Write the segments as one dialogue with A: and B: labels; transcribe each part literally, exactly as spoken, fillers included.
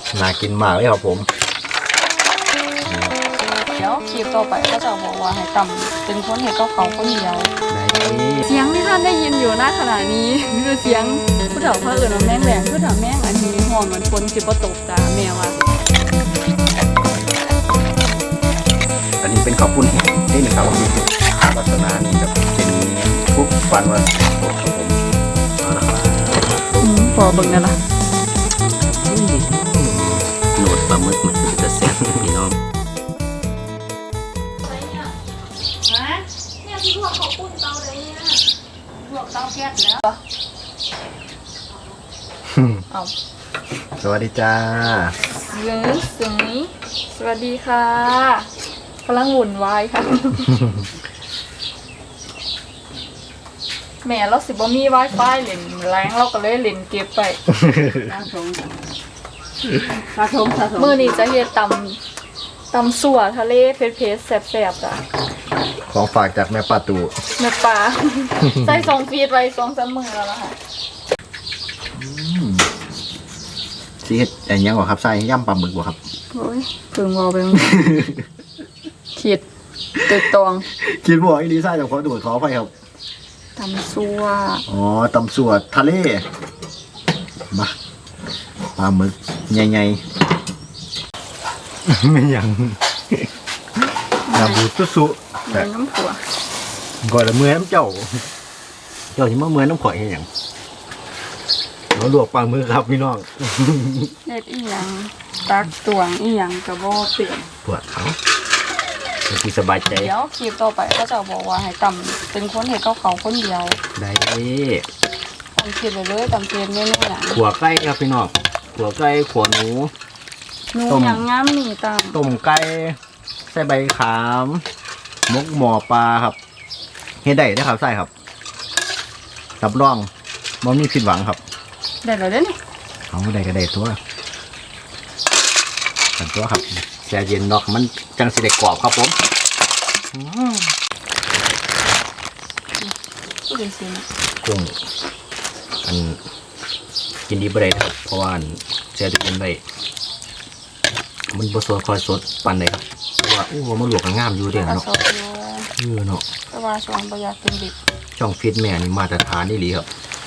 A: น่ากินมากเลยครับผม
B: เดี๋ยวคลิปต่อไปก็จะบอกว่าให้ต่ำเป็นคนเห็ดกับเขาคนเดียวเสียงที่ท่านได้ยินอยู่ณขณะนี้คือเสียงผู้เฒ่าเขาเอื่นว่าแม่งแหลงผู้เฒ่าแม่งอันนี้หอมเหมือนฝนจิบตกจ้าแม่ว่า
A: อันนี้เป็นข้าวปุ้นแห้งนี่นะครับลักษณะนี่จะเป็นคุกฟันว่าสดครับผมเอาละครับ
B: อืมพอเบิ่งนั่นล่ะ
A: โหนดปลาหมึกมันคือจะแซ่บพี่น้อง
B: เนี่ยที่ลวกเขาปุ้นเตาเลยเนี่ยลวกเตาแก๊สแล้วเอา
A: สวัสดีจ้า
B: เยอะสึงนี้สวัสดีค่ะกำลังวุ่นวายค่ะ แม่เราสิบ่มี Wi-Fi เล่นแรงเราก็เลยเล่นเก็บไป
C: สะสมสะสมสะสม
B: มื้อนี้จะเฮ็ดตำตำสั่วทะเลเผ็ดๆแซ่บๆจ้ะ
A: ของฝากจากแม่ป้าตู่
B: แม่ปลา ใส่ซองฟีดไว้สองสามมื้อแล้วล่ะค่ะ
A: สิเฮ็ดอันยังบ่ครับใส่ย่ำปลาหมึกบ่ครับ
B: โอ้ยเพิ่งเว้าไปคิดตึกตอง
A: คิดบ่อีดีไซน์จากขอดูดขอไปครับ
B: ตำสั่ว
A: อ๋อตำสวดทะเลมาปลาหมึกใหญ่ๆ ไม่ยังน้ำบูดสุๆ
B: เนื้อน้ำผัว
A: ก่อนละเมื่อน้ำเจ้า เจ้าที่มาเมื่อน้ำข่อยให้หยังเราลวกปลาหมึกครับพี่น้อง
B: เฮ็ดอีหยังตักตวงอีหยังก็บ่เปลี่ยน
A: ปวดเขาที่สบายใจ
B: เดี๋ยวคลิปต่อไปก็จะบอกว่าให้ต่ำเป็นคนเห็ดกับเขาคนเดียว
A: ได้
B: ต่ำคิดไปเลยต่ำเตรียมเมนูอย่าง
A: ขัวไก่ครับพี่น้องขัวไก่ขัวหนู
B: หนู
A: ต้ม
B: อย่างงามนี่ต่
A: ต้มไก่ใส่ใบขามมกหมอปลาครับเฮ็ดได้ได้อครับใส่ครับรับรองบ่มีผิดหวังครับ
B: ำได้แล้วเด้อนี่
A: เอาได้ก็ได้ตัวกันตัวครับแช่เย็นเนาะมันจังสิได้กรอบครับผมอืม
B: ผู้เป็นสินะ
A: กุ้งอันกินดีบ่ได้ครับเพราะว่าอันแช่ตู้เย็นไว้มันบ่สดคอยสดปานใดครับเพราะว่าอู้ว่ามันลวกก็งามอยู่เด้
B: กระ
A: เนาะ
B: สอบอยู่
A: เออเนาะ
B: แต่ว่าช่วงบ่อยากกินดิบ
A: ช่องฟิตแม่นี่มาตรฐานนี่หลีครับ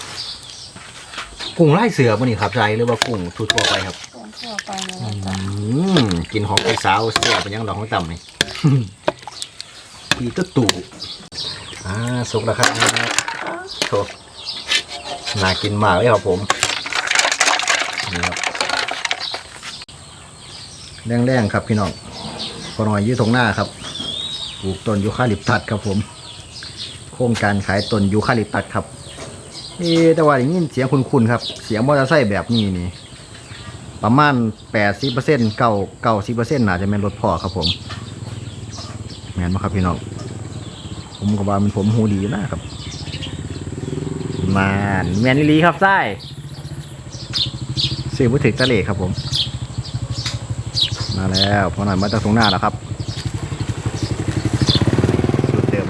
A: กุ้งไล่เสือบ่นี่ครับใจหรือว่ากุ้งทั่วๆไปครับ
B: ต้นทั่วไปเลย
A: อื
B: นะจ๊ะ
A: มกินของไอ้สาวเสียเป็นยังดอกของต่ำนี่ อีตุ๊ตู่อ่าสุกแล้วครับโถน่ากินมากเลยครับผมนี่ครับแรงๆครับพี่น้องพอหน่อยยืดตรงหน้าครับปลูกต้นยูคาลิปตัสครับผมโครงการขายต้นยูคาลิปตัสครับเอ๊แต่ว่าอย่างนี้เสียงคุ้นๆครับเสียงมอเตอร์ไซค์แบบนี้นี่ประมาณแปดสิบเปอร์เซ็นต์เก้าเก้าสิบเปอร์เซ็นต์น่าจะเป็นรถพ่อครับผมแม่นไหมครับพี่น้องผมก็ว่ามันผมหูดีนะครับมานแมนนิลีครับไส้ซื้อมือถือตะเลครับผมมาแล้วพอหน่อยมาจากตรงหน้าแล้วครับสูตรเดิม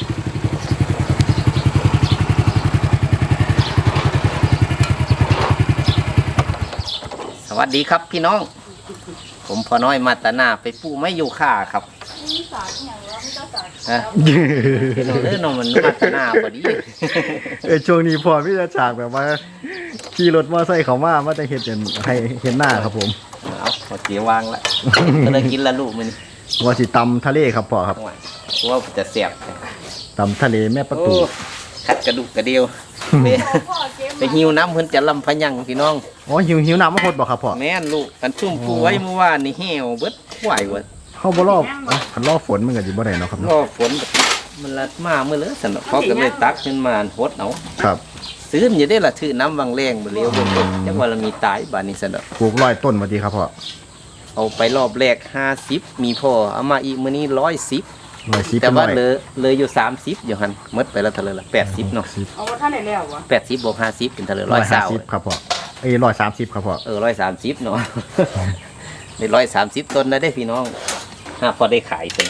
A: สวัสดีครับพี่น้องผมพอน้อยมาตาหน้าไปปูไม่อยู่ค่าครับ
B: มีสารอย่างว่ามีเจ้าสาร
A: ฮะพี่น้องเอ้ยน้องมันมาตาหน้าพอดี
D: เออช่วงนี้พอพี่จะฉากแบบว่าขี่รถมอเตอร์ไซค์เขามามาจะเห็นเห็นให้เห็นหน้าครับผม
A: เอาพอเจียวางละ ก็เลยกินละลูกมัน
D: ว่าสิตำทะเลครับพ่อครับ
A: ว่าจะเสียบ
D: ตำทะเลแม่ประตู
A: โอ้ขัดกระดูกกระเดียวไปไปหิวน้ำเพิ่นจะลำพะยังพี่น้อง
D: อ๋อหิวหิวน้ำมาพดบอกครับพ่อ
A: แม่นลูกกันชุ่มปูไว้เมื่อวานนี่เหี่ยวเบิดไหวเบิด
D: เข้าบ่รอบอ๋อคันรอบฝนมันก็สิบ่ได้เนาะครับ
A: ร
D: เนาะ
A: อฝนมันละมาเมื่อเลยสนเขาก็เลยตักขึ้นมาหดเอา
D: ครับ
A: ซื้ออยู่ได้ละถือน้ำวังแรงบ่เลี้ยวเบิ่งจังว่าเรามีตายบาดนี้สน
D: ปลูกร้อยต้นมาดีครับพ่อ
A: เอาไปรอบแรกห้าสิบมีพอเอามาอีกมื้อนี้ร้อยสิบ
D: ร้อยสิบ
A: แต่
D: เป็น
A: ว่า
D: ร้อย
A: เหลือเหลืออยู่สามสิบอยู่หันหมดไปแล้วเท่าไหร่ละแปดสิบเนาะ
B: เอาว่าท่านได้แล้ววะ
A: แปดสิบบวกห้าสิบเป็นเท่าไหร่
D: ร้
A: ร้
D: อ
A: อย ย
D: ห้า
A: สาว
D: สิบครับพ่อเอ้ยร้อยสามสิบครับพ่อ
A: เออร้อยสามสิบเนาะ ได้ร้อยสามสิบต้นนะได้พี่น้องห้าพอได้ขายเป็น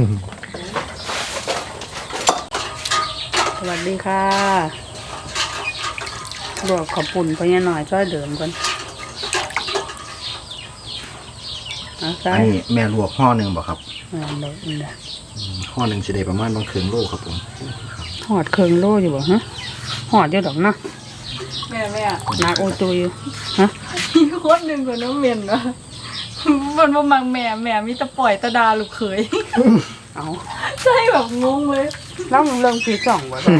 C: สวัสดีค่ะลวกขอบปุ่นไปยังหน่อยช่วยเดิมกันอ่ะใส่
A: อันนี้แม่ลวกห่อหนึ่งบ่ครับ
C: อ่าเลยนี่นะ
A: ห่อหนึ่งจะได้ประมาณบางครึ่งโลครับผม
C: หอดเครื่องโลอยู่บ่ฮะหอดเยอะดอกเนาะ
B: แม่แม่
C: หนักโอตัวอยู่ฮะ
B: มีคนหนึ่งคนน้องเมียนวะมันบ่มังแม่แม่มีแต่ปล่อยตะดาลูกเขย
C: เอา
B: ใช่แบบงงเลย
C: แล้วมึงเริ่มปีสองบ่ดอก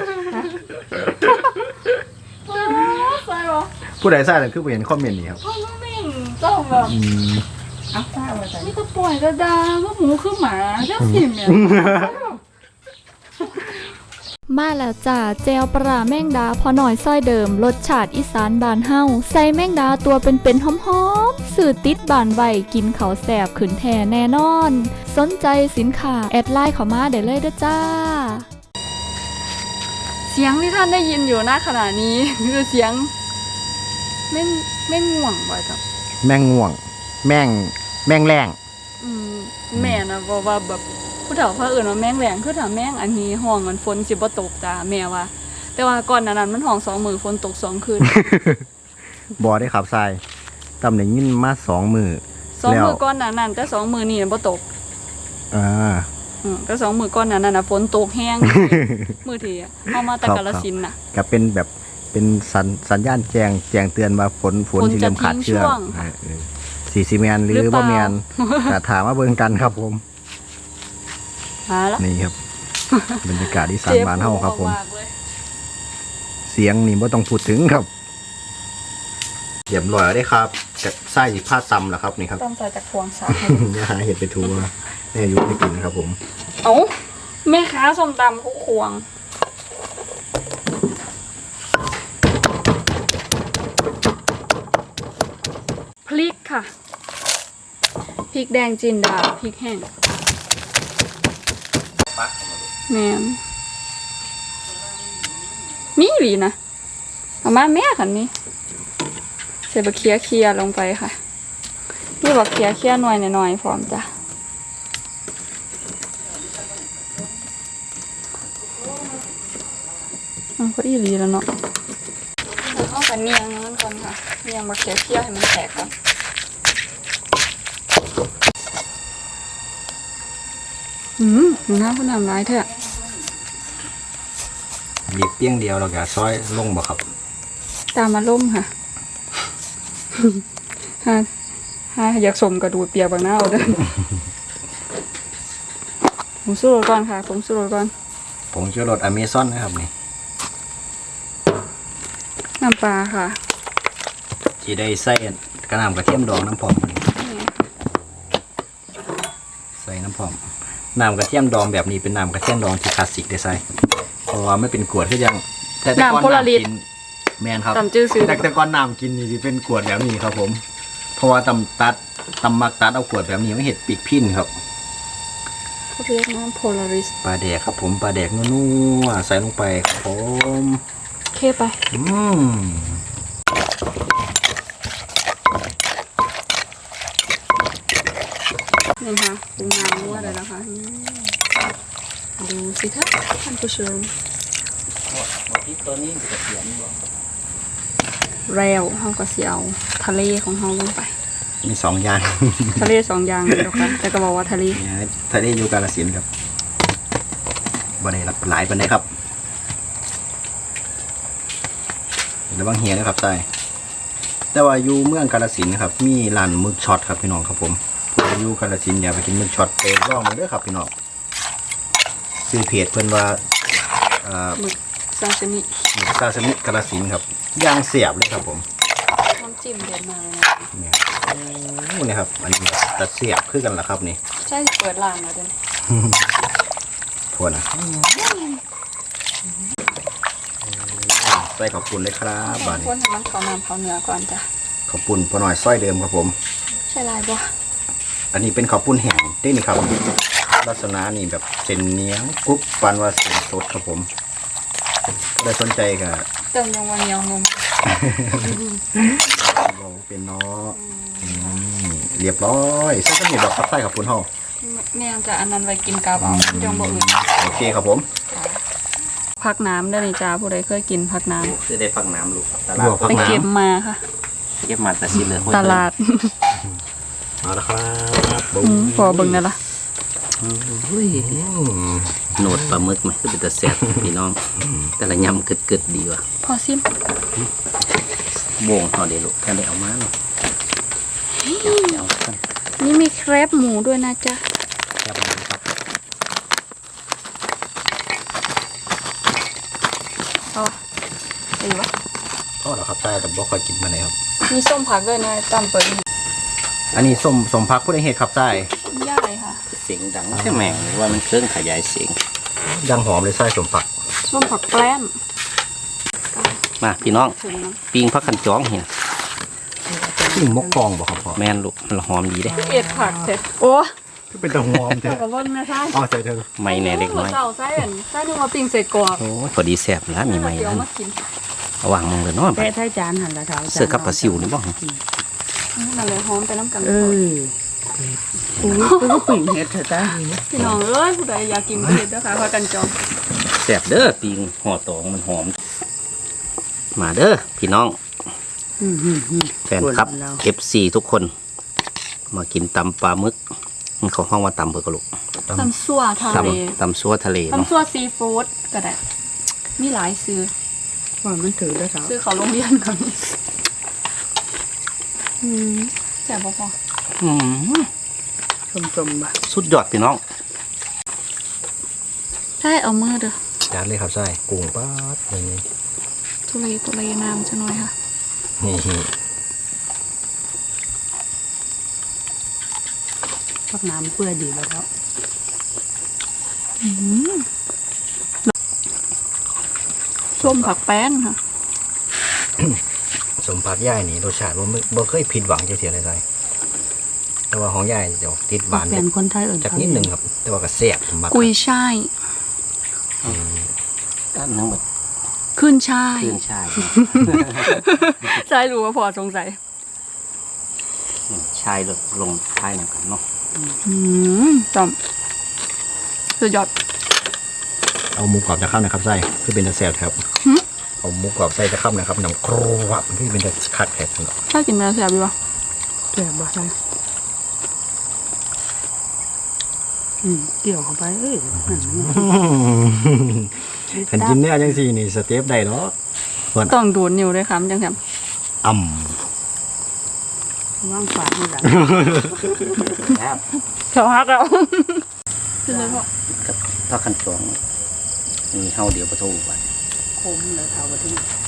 B: ใช่ปะ
A: ผู้ใดใส่เลยคือไปเห็นคอมเมนต์นี้ครับ
B: พ่อน้องเมียนเจ้าแบบ
A: อืม
C: เอาใส่มาใส่
B: มีแต่ปล่อยตะดาก็หมูคือหมาเจ้าสิแม่
E: มาแล้วจ้าเจลปลาแมงดาพอหน่อยซ้อยเดิมรสชาติอีสานบานเฮาใส่แมงดาตัวเป็นๆหอมๆสื่อติดบานไวกินเขาวแสบขืนแท่แน่นอน สนใจสินค้าแอดไลน์เข้ามาได้เลยเด้อจ้า
B: เสียงที่ท่านได้ยินอยู่ณขณะนี้ คือเสียงแม่งแม่งง่วงบ่อยจัง
A: แม่งง่วง แม่งแม่งแรง
B: อืมแม่นะบอกว่าแบบผู้เฒ่าเขาเอื่นว่าแม่งแหลงคือถ้าแม่งอันนี้ห้องมันฝนสิบ่ตกจ้าแม่ว่า แต่ว่าก่อนหนานั้นมันห้องสองมือฝนตกสองคืน
A: บอได้ขับทรายตำแหน่งยินมาสองมือ
B: สอง
A: แล้ว
B: มือก่อนหนานั้นแต่สองมือนี่บ่ตก
A: อ่า
B: อืมแต่สองมือก่อนหนานั้นน่ะฝนตกแห้ง มือทีอะเอามาแต่
A: ครับ
B: กาฬสินธุ์น่ะ
A: ก็เป็นแบบเป็นสัญสัญญาณแจ้งแจ้งเตือนว่าฝนฝน
B: ฝน
A: ที่
B: จะ
A: เริ่มขาดเชื้อ
B: ทิ้งช่วง
A: สี่สิแมนห
B: หรื
A: รือ
B: อเป
A: บ่
B: ล่า
A: แมน ก็ถามมาเบิ่งกันครับผม
B: มาละ
A: นี่ครับ บรรยากาศที่สานบ้านเฮาครับผม
B: เจ็บหัวากเลย
A: เสียงนี่บ่ต้องพูดถึงครับเรียบร้อยแล้วได้ครับจะไส้ผ้าตำแล้วครับนี่ครับ
B: ต้องใส่จากพวงสา
A: อย่าหาเห็ดไปทัวแม่อายุไม่กินครับผม
B: เอ้าแม่ค้าส้มตำคุกควงพริกค่ะ พริกแดงจินดา พริกแห้งแมนมีหลีนะเอามาแม่ขันนี้ใส่บะเคียเคียลงไปค่ะ นี่บะเคียเคียหน่อยหน่อยๆพร้อมจ้ะมันก็อีหลีแล้วเนาะแล้วเข้ากันเนียงมันก่อนค่ะเนียงบะเคียเคียให้มันแตกก่อนอืมหนูน้าพูดน้ำร้ายเถอะ
A: หยิบเปี้ยงเดียวเราก็ซอยลงบ่ครับ
B: ตามมาล่มค่ะ ฮะฮะอยากสมกระดูดเปียกบางหน้าเอาเด้อ ผมสู้รถก่อนค่ะ ผมสู้รถก่อน
A: ผงชูรสอเมซอนนะครับนี่
B: น้ำปลาค่ะ
A: ที่ได้ใส่กระน้ำกระเทียมดองน้ำผอมใส่น้ำผอมน้ำกระเทียมดองแบบนี้เป็นน้ำกระเทียมดองที่คลาสสิกได้ใส่เพราะว่าไม่เป็นกรวดคือยังแต่แต่ก่อน
B: น้ำโพลาริส
A: กินแมนครับ
B: ตำจื้อซื้อ
A: แต่แต่ก่อนน้ำกินนี่สิเป็นกรวดแบบนี้ครับผม เพราะว่าตำตัดตำมักตัดเอากรวดแบบนี้ไม่เห็ดปีกพิ้นครับ
B: เขาเรียกน้ำโพลาริส
A: ปลาแดกครับผมปลาแดกนัวๆใส่ลงไปครับผม
B: เคไป
A: อืม
B: นี่ค่ะปรุงน้ำนัวเลยนะคะอืมดูสิคะท่านผู้ชมแล้วเขาก็เสียเอาทะเลของเขาลงไป
A: มีสองอย่าง
B: ทะเลสองอย่างเลยนะคะแต่ก็บอกว่าทะเล
A: เนี่ยทะเลอยู่กาฬสินธุ์ครับบ่ได้รับหลายปานใดครับระวังเหียนะครับใช่แต่ว่าอยู่เมืองกาฬสินธุ์นะครับ มีร้านหมึกช็อตครับพี่น้องครับผมผู้อยู่กาฬสินธุ์อย่าไปกินหมึกช็อตไปลองมาเด้อครับพี่น้องซื้อเพจเพิ่นว่าเอ่อ
B: หมึกซาชิมิ
A: หมึกซาซิมิกาฬสินธุ์ครับย่างเสียบเลยครับผม
B: น้ำจิ้มเด็ดมากเลยนะ
A: เนี่ยโอ้นี่ครับอันนี้ตัดเสียบคือกันละครับนี่
B: ใช่เปิดร้านมาเดี๋ยวนี้
A: ทวนนะใส่ขอบคุณเลยครับบาดนี้
B: คนให้มันเขาน้ำเขาเนื้อก่อนจ้ะ
A: ขอบคุณพอหน่อยสร้อยเดิมครับผม
B: ใช่ลายบ่
A: อันนี้เป็นข้าวปุ้นแห้งได้นี่ครับลักษณะนี่แบบเส้นเหนียวกรุบปานว่าเส้นสดครับผมได้สนใจกับ
B: เติมลงวันเหนียวนม
A: เราเป็นเนาะอืมเรียบร้อยเส้นสนิทแบบทับไส้ขอบคุณเฮา
B: แม่จะอันนั้นไว้กินกับเอาจังบ่อื่น
A: โอเคครับผม
B: พักน้ำได้เลยจ้าผู้ใดเคยกินพักน้
F: จะได้ฟังน้ำลูกต
A: ลวก
F: ลาด
B: ำไปเก็บมาค่ะ
F: เก็บมาแต่สิเหลือคน
B: ตลาด
A: เอาละครับ
B: อืมพอเบิ่งนั่นล่ะ
F: เฮ้ยโหนดปลาหมึกไหมคือเป็นตะแซ่บพี่น้อง แต่ละยำกึดๆดีว่ะ
B: พอซิม
F: โบงเอาเดี๋ยวลูกแค่ได้เอามาเนาะเดี๋ยวเอากัน
B: นี่มีแครบหมูด้วยนะจ๊ะ
F: แค่ประมาณครับ
B: เอาดีวะ
A: ก็เหรอครับใช่แต่บ่ค่อยกินมาไหนครับ
B: มีส้มผักด้วยนะตำเปิดอีก
A: อันนี้ส้มสมพักผู้ใดเห็ดครับใช่
B: ย่ายค่ะ
F: เสียงดังแค่แม่งว่ามันเครื่องขยายเสียง
A: ดังหอมเลยใช่สมผัก
B: ส้มผักแกล้ม
F: มาพี่น้อง
B: ถึงนะ
F: ปิงพักขันจ้องเห็น
A: นี่มกกองบอกครับพ่อ
F: แม่นลูกมันหอมดีเด้
B: เอ็ดผักเสร็จโอ้
A: เป็นตะหอมเถ
B: เจ้า
A: อะ
B: กับว่าไม่ใช่
A: อ๋อใส่เถอะ
F: ไม่แน่เล็กน้อย
B: เจ้าไส้อันไส้นึงมาปิ้งใส่กรอบ
F: โอ้ยพอดีแซ่บแล้วมีไหม
B: เดี๋ยว
F: นั่น
B: มากิน
F: ระหว่างมึงเลยเนาะ
C: แต่ถ้าจานหันละเท้า
F: เสือกับปลาซิวนี่บ่
B: นั่นเลยหอมไปน้ำกัน
C: เอออุ้ยก็ปิ่งเห็ดเถอะจ้า
B: พี่น้องเอ้ยผู้ใดอยากกินก็เด็ดนะคะพากันจอง
F: แซ่บเด้อปิงห่อตองมันหอม มาเด้อพี่น้อง
C: อืมอืมอืม
F: แฟนคลับ เอฟ ซี ทุกคน มากินตำปลาหมึกมันเขาห้องว่าตำเพื่อกระลูก
B: ตำซั่วทะ
F: ต
B: เล
F: ำตำซัวทะเลเนาะ
B: ตำซั่วซีฟู้ดก็ได้มีหลายซื้อ
C: ว่ามันถือแล้วเท้า
B: ซื้อเขาโรงเรียนก่อนอืมแซ่บพอ
F: อืม
C: ชมชมๆบ่ะ
F: สุดยอดพี่น้อง
B: ๆใช่เอามือเด้อ
A: จานเลยครับใช่กุ้งป๊าดนี่
B: ทุเรศทุเรศน้ำจะน้อยค่ะ
A: นี่
C: พักน้ำเพื่อดีแล้วเท้า
B: ส้มผักแป้นค่ะ
A: สมผักย่ายนี่รสชาติบ่มึบ่เคยผิดหวังจังเทียเลยใช่แต่ว่าของย่ายจะออกติดหวาน
C: แฟนคนไทยเอิญ
A: จากนิดหนึงครับ แต่ว่าก็แซ่บมาก
B: กุยช่าย
F: ด้านทั้งหมด
B: ขึ้นช่าย
F: เครื่องชาย
B: ใช่รู้ว่าพอสงสัย
F: ชายลงลงท้ายเหมือนกันเนาะ
B: อืมจอมสุดยอด
A: เอาหมูกรอบจะเข้านะครับใช่คือเป็นตะแซ่บครับ
B: หึ
A: เอาหมูกรอบใส่จะเข้านะครับน้ำครวับที่เป็นตะคัดแผลทั้งหมด
B: ถ้ากินเนื้อแซ่บดีวะ
C: แซ่บบ่ใช่อืมเกี่ยวเข้าไปเอ้ยนั่นมัน
A: ขันกินเนี่ยจังซี่นี่สเต็ปได้เนาะส่วน
B: ต้องดูดนิ้วด้วยครับจังแซ่บ
A: อ่
C: ว่างฝาดนี่แหละ
F: ครับ
B: เฉาฮักเราคือเลยพอ
F: กับพักขันจ้องมีเฮาเดียวประตูไป
C: คมเลยเท้าไปที่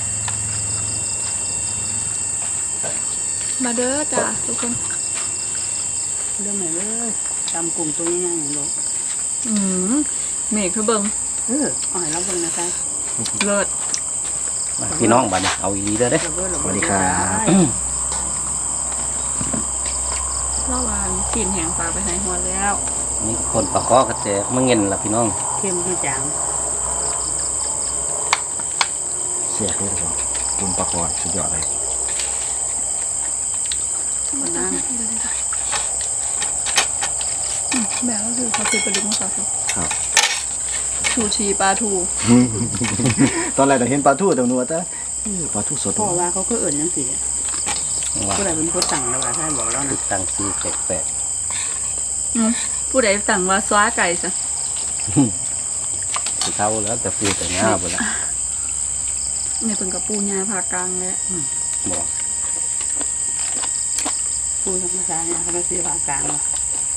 B: มาเด้อจ้าทุกคน
C: เรื่องไหนเลยตำกลุ่มตัวง่ายๆอย่างนี้
B: อืมเมฆคือเบิง
C: เออเอาให้เราเบิ่งนะคะ
B: เลิศ
F: มาพี่น้องบัดนี้เอาอีเด้อเด้อ
C: เราเบิ่งเรา
A: ำส
C: เบิ่
A: วั
C: ง
A: สดีครับ
B: เล่าวานกินแหงปลาไปไหนหัวแล้ว
F: นี่คนปลาคอกระเจมึงเงินล่ะพี่น้อง
C: เข้มที่จาง
A: เสียด้วยครับคุณปลาคอสุดยอดเลย
B: มันน้ำแบบก็คือเขาคือปลาดุกมะขาม
A: ครับ
B: ชูชีปลาทู
A: ตอนแรกเราเห็นปลาทูแต่หนูว่าแต่เออปลาทูสด
C: พ่อว่าเขาก็เอิ่นยังสิ
F: ว่า
C: ผู้ใดเป็นผู้สั่งแล้วว่าท่านบอกแล้วนะ
F: ตั้งซื้อแปลก
B: อืมผู้ใดสั่งว่าซ้าไก่ซะ
F: ๆสิเท่าแล้วแต่ปูแต่หน้าบ่ละ
B: ในเป็นกับปูญาผากลางเลย
F: บอก
C: ผู้ธรรมชาติเนี่ยเขาก็ซื้อว่ากลางว่า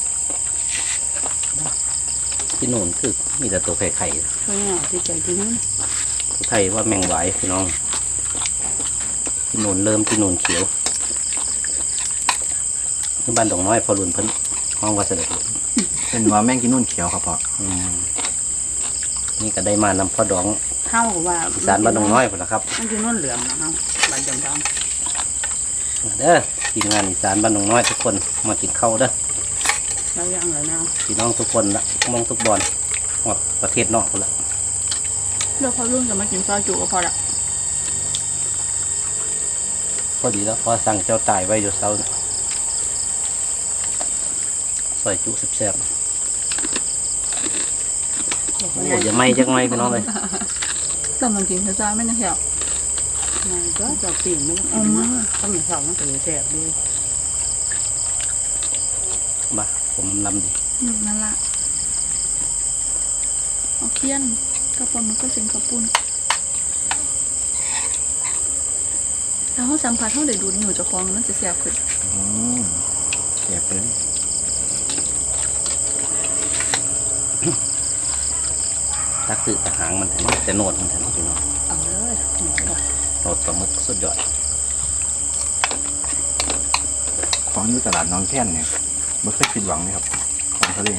F: ที่โน่นคือมีแต่ตัวไข่ไข่
C: เพื่อนที่ใจที่นู้น
F: ผู้ไทยว่าแมงไหวพี่น้องที่โน่นเริ่มที่โน่นเขียวที่บ้านดงน้อยพอรุนเพิ่นห้องว่าเสด็จ
A: เป็นว่าแมงกินนุ่นเขียวครับพ่อ
F: อืมนี่ก็ได้มานำพ่อดอง
C: เข้ากับว่า
F: อีสานบ้านดงน้อยพุ่นละครับ
C: มันคือนุ่นเหลืองนะเฮาบ้านจำทอง
F: เด้อทีมงานอีสานบ้านดงน้อยทุกคนมากินข้าวเด้อ
C: แล้วยังเลยนะ
F: พี่น้องทุกคนละมองทุกบอลหมดประเทศนอกคนละ
B: เดี๋ยวพอรุ่งจะมากินซอยจุก็พอละ
F: พอดีแล้วพอสั่งเจ้าตายไว้อยู่เซาเนี่ยซอยจุแซ่บๆโอ้ยอย่าไหม่จักไหม่พี่น้องเลย
B: แต่มันกินช้าๆไม่น่าแถว
C: มันก็จะปิ่งไม่ต้อง
B: เอามา
C: ต้องมีสองมันถือแสบด้วย
F: บ้าผมลำดิ
B: อืมนั่นละเอาเคี่ยนกับปลาหมึกก็เสียงกระปุ้นถ้าเขาสัมผัสเขาได้ดูดอยู่เจ้าของมันจะเสียบขึ้น
A: อืมเสียบเลย
F: ตักตือตะหางมันแต่แต่โหนดมันแต่พี่น้อง
C: เอาเลยหนูบอก
F: โหนดปลาหมึกสุดยอด
A: ของอยู่ตลาดหน้องแค้นเนี่ยไม่เคยผิดหวังเลยครับของทะเล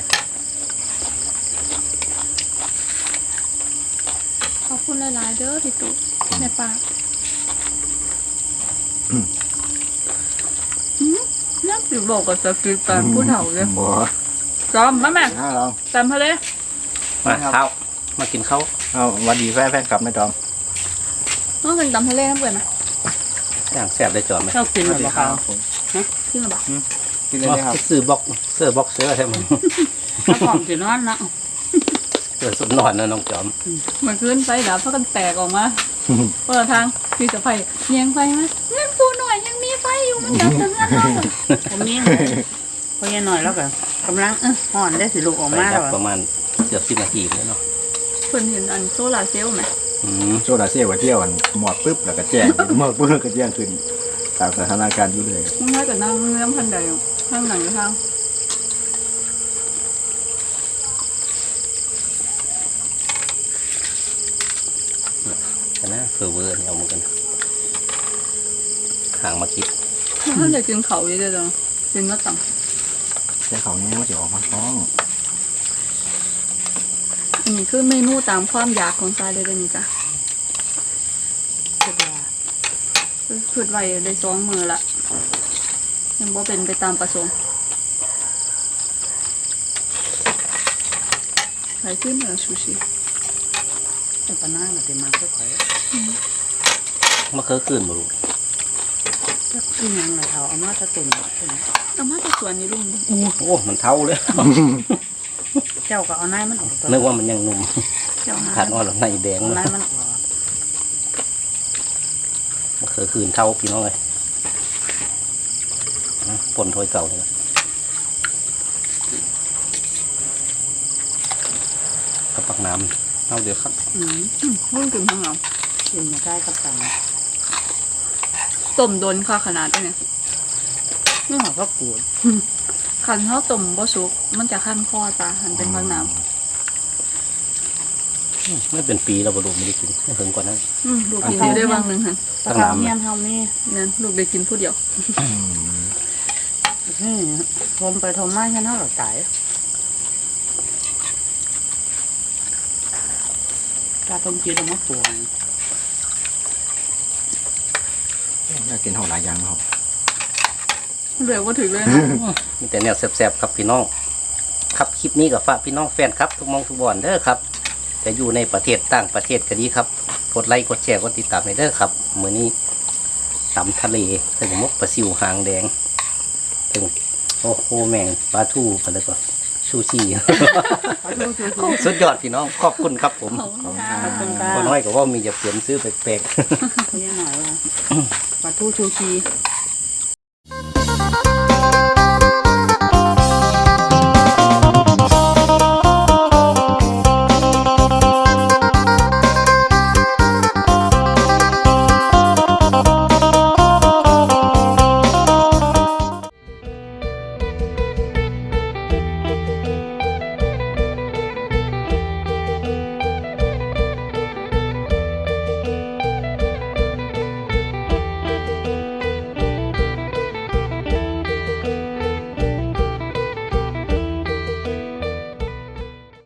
B: ขอบคุณหลายๆเด้อพี่ตุ๊กแม่ปลาอืมน่าสิบอกกับสกิลการผู้เฒ่าเลย
A: บ่
B: จอมมาแม่
A: น่าลอง
B: จำทะเล
F: มาข้าวมากินข้าว
A: เอาหวันดีแฟนแฟนกลับนะจอม
B: ต้องเป็นจำทะเลน้ำเปื่อยไหม
F: อย่างแซ่บได้จอมไหม
C: ชอบกินหรือเปล่า
B: ขึ้นมาบอก
A: กินเลยนะครับ
F: ซื้อบ็อกเสื้อบ็อกเสื้อใช่ไหม
C: ถ้าผอมสินอนนะ
F: เสื้อสุดนอนนะน้องจอม
B: เหมือนขึ้นไปดับเพราะกันแตกออกมาเปิดทางพี่จะไฟแยงไฟไหมเงินปูหน่อยยังมีไฟอยู่มันดับแต่เงินเรา
C: ผมมีเลยพอยันหน่อยแล้วก็กำลังเออห่อนได้สิลูกออก
F: ไป
C: มา
F: ครั
C: แล้
F: บ
C: ว
F: ประมาณเกือบสิบนาทีเลยเนาะ
B: เพิ่นเห็นอันโซลาร์เซลล์ไหม
F: อืม
A: โซดาเซียว่าเที่ยวอันหมอดปุ๊บแล้วก็แจ้ง หมอดปุ๊บแล้วก็แจ้งขึ้นตามสถานการณ์อยู่เลย
B: มึงน่าจะนั่งเนื้อพันใดอยู่ข้างหลังอยู่ทาง
F: กันนะเผื่อเวอร์เนี่ยเอามากันห่างมาคิด
B: ถ้าจะกินเขาอยู่เด้อกินมาต่ำ
A: แต่เขาเนี่ยว่าจะออกมาท้อง
B: อันนี้คือเมนูตามความอยากของซายเลยเด้อนี่จ้ะ
C: คิดว่า
B: คือไว้ได้สองมือละยังบ่เป็นไปตามประสงค์ใครขึ้นเหนือซูชิ
C: จะปะน้าหน่อยจะมาค่อย
F: มาเคยคืนบ่รู้
C: ๆจะกินยังไงเขาเอามาตะตุ่นใช่ไหม
B: เอามาจากสวนนี่ลุงดิ
F: โอ้มันเท่าเลย
C: เจ้าก็เอาไนมันออกตัว
F: นึกว่ามันยังหนุ่ม
B: เจ้าหา
F: ขาดอ่อนแล้วในแดง
C: เอา
F: มา
C: ไนมันออก
F: มาเคยคืนเท่าพี่น้องเลยอ่ะปนถ้วยเก่าเลยกับปักน้ำเอาเดี๋ยวครับ
C: อืม
B: อืมลุงกินข้างหลัง
C: กินมาได้กับตัง
B: ต้มโดนค่ะขนาดนี้เนี่ย
C: นี่หอก็กูด
B: คันเท่าต้มบ่สุกมันจะขั้นคอจ้ะหันเป็นบางน้
F: ไม่เป็นปีเราบรูไม่ได้กินไม่ถึงกว่านั้น
B: ำอืมลูกกินอยู่ได้บางหนึ่งหัน
C: ตะเขาเมียนเท่านี้
B: เนี่ยลูกได้กินผู้เดียว
C: นี่ทมไปทมมาแค่นั้นหรอตายตาทมกินแล้วมาปวง
A: อยากกินหอหลายอย่างครับ
B: เหลือว่าถึงเลยนะ
F: มีแต่แนวแซ่บๆครับพี่น้อง ครับคลิปนี้กับฝากพี่น้องแฟนครับทุกหมองทุกบอนเด้อครับจะอยู่ในประเทศต่างประเทศก็ดีครับกดไลค์กดแชร์กดติดตามให้เด้อครับมื้อนี้ตำทะเลถึงมกปลาซิวหางแดงถึงโอ้โหแมงปลาทูไปแล้วก็ชูชี สุดยอดพี่น้องขอบคุณครับผม
B: ขอบคุณค่ะ
C: ขอบคุณค่ะ
F: พอน้อยก็ว่ามีจะเปลี่ยนซื้อแปลก
C: เขายังหน่อยว่าปลาทูชูชี
F: ๆ